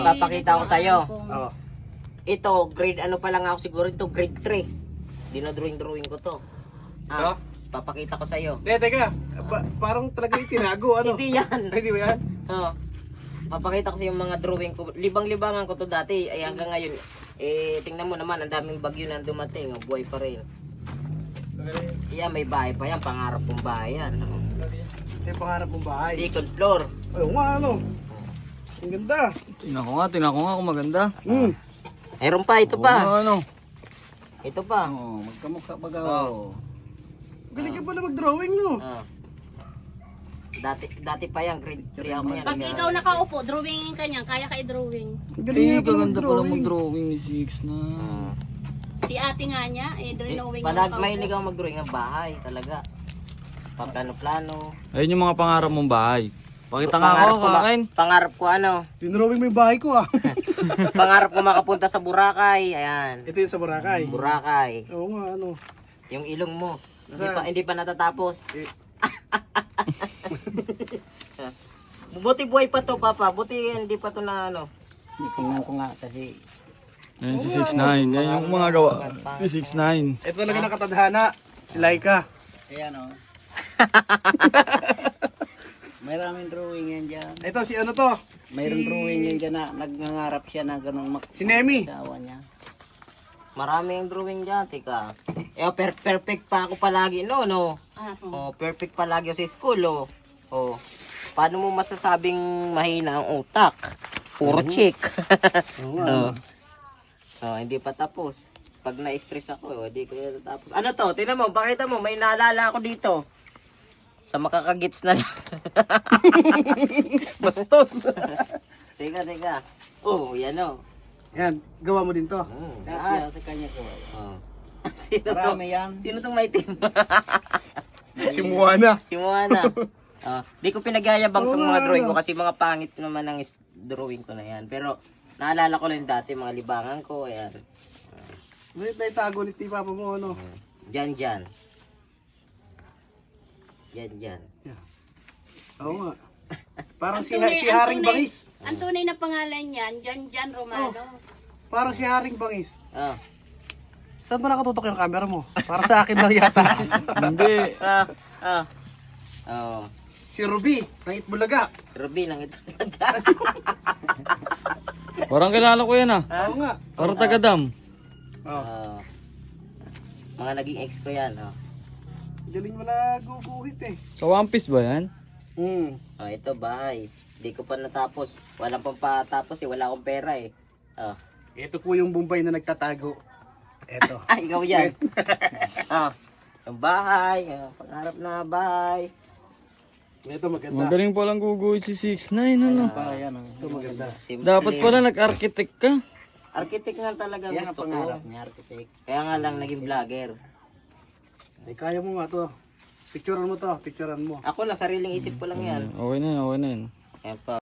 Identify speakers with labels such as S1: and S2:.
S1: Papakita ko sa'yo.
S2: Oh.
S1: Ito, grade ano pa lang ako siguro ito, grade 3. Dinodrawing ko to.
S2: Ito?
S1: Papakita ko sa'yo.
S2: Teka. Parang talaga itinago, ano?
S1: Hindi yan.
S2: Ay, di ba yan?
S1: Oh. Papakita ko sa yung mga drawing ko. Libang-libangan ko to dati. Ay hanggang ngayon. Tingnan mo naman, ang daming bagyo na dumating. Buhay pa rin. Yan, may bahay pa yan. Pangarap kong bahay yan.
S2: Ito yung pangarap mong bahay.
S1: Second floor.
S2: Ay, nga, ano? Ang ganda.
S3: Tingnan ko nga kung maganda.
S1: Meron pa, ito pa.
S3: Ano?
S1: Ito pa.
S3: Oh, magkamukha baga.
S1: Oh.
S2: Galing ka pala mag-drawing, no?
S1: Ah. Dati pa yan, grade 3 ako yan.
S4: Pag ikaw nakaupo, drawingin ka niyan, kaya ka i-drawing.
S2: Ang galing nga pala
S3: Kaganda pala
S2: mag-drawing.
S3: mag-drawing ni Six na.
S4: Si ate nga niya, drawing
S1: Mahilig ako mag-drawing ng bahay talaga. Paplano-plano.
S3: Ayun yung mga pangarap mong bahay. Pakita nga ako, kakain.
S1: Pangarap ko ano,
S2: Dinrawing mo yung bahay ko, ah.
S1: pangarap ko makapunta sa Boracay. Ayan.
S2: Ito yung sa Boracay.
S1: Boracay.
S2: Oo nga, ano?
S1: Yung ilong mo.
S2: Nasaan?
S1: Hindi pa natatapos. Buti buhay pa to, Papa. Buti hindi pa to na ano.
S5: Tingnan ko nga kasi
S3: Ayun si 6'9". Yan yung mga gawa. Si 6'9".
S2: Ito talaga nakatadhana. Si Laika.
S5: ayan o. Maraming drawing yan dyan.
S2: Ito, si ano to?
S5: Mayroong drawing yan dyan na nagngangarap siya na ganun
S2: Si Nemi.
S5: makasawa niya.
S1: Maraming drawing dyan, tika. Perfect pa ako palagi, no? Oh, perfect palagi ako sa school, oh. Oh. Paano mo masasabing mahina ang utak? Puro chick. Oh. Oh, hindi pa tapos. Pag na-stress ako, hindi ko na tapos. Ano to? Tingnan mo, bakit mo? May naalala ako dito. Sa makakagits na lang.
S2: Bastos.
S1: Teka. Oh, yan oh.
S2: Yan, gawa mo din to.
S5: Lahat yan sa kanya ko.
S1: Oh. Sino to?
S5: Marami yan.
S1: Sino tong may team?
S2: Si Moana.
S1: Si Moana. Di ko pinagyayabang tong mga
S2: Oo,
S1: drawing ko
S2: ano.
S1: kasi mga pangit naman ang drawing ko na yan. Pero naalala ko lang dati mga libangan ko. Ayan.
S2: May tago ni Papa mo, ano?
S1: Yan. Yan.
S2: Oo nga. Parang si Haring Bangis.
S4: Ang tunay na pangalan niyan, Jan Romano.
S2: Parang si Haring Bangis.
S1: Ah.
S2: Saan ba nakatutok yung camera mo? Para sa akin lang yata.
S3: Hindi.
S1: Oh.
S2: Si Ruby, ng Itbulaga.
S1: Ruby lang ito.
S3: Parang kilala ko yan ah.
S2: Oo nga.
S3: Parang taga-dam.
S1: Mga naging ex ko yan. Oh.
S2: Galing mo na guguhit eh.
S3: Sa One Piece ba yan?
S1: Oh, ito bahay. Di ko pa natapos. Walang pang patapos eh. Wala akong pera eh. Oh.
S2: Ito po yung Bombay na nagtatago. Ito.
S1: Ah, ikaw yan. Yung bahay. Pangarap na bahay.
S2: Ito maganda.
S3: Magaling palang guguhit si 6'9". Ano?
S5: Pa yan o.
S2: Ito maganda.
S1: Simple.
S3: Dapat pala nag-architect ka.
S1: Architect nga talaga
S5: Yan ang
S1: gusto ko.
S5: pangarap niya, architect.
S1: Kaya nga lang naging vlogger.
S2: Ay, kaya mo nga to. Picturean mo to. Picturean mo.
S1: Ako lang, sariling isip ko lang yan.
S3: Okay na yan.
S1: Ayan pa.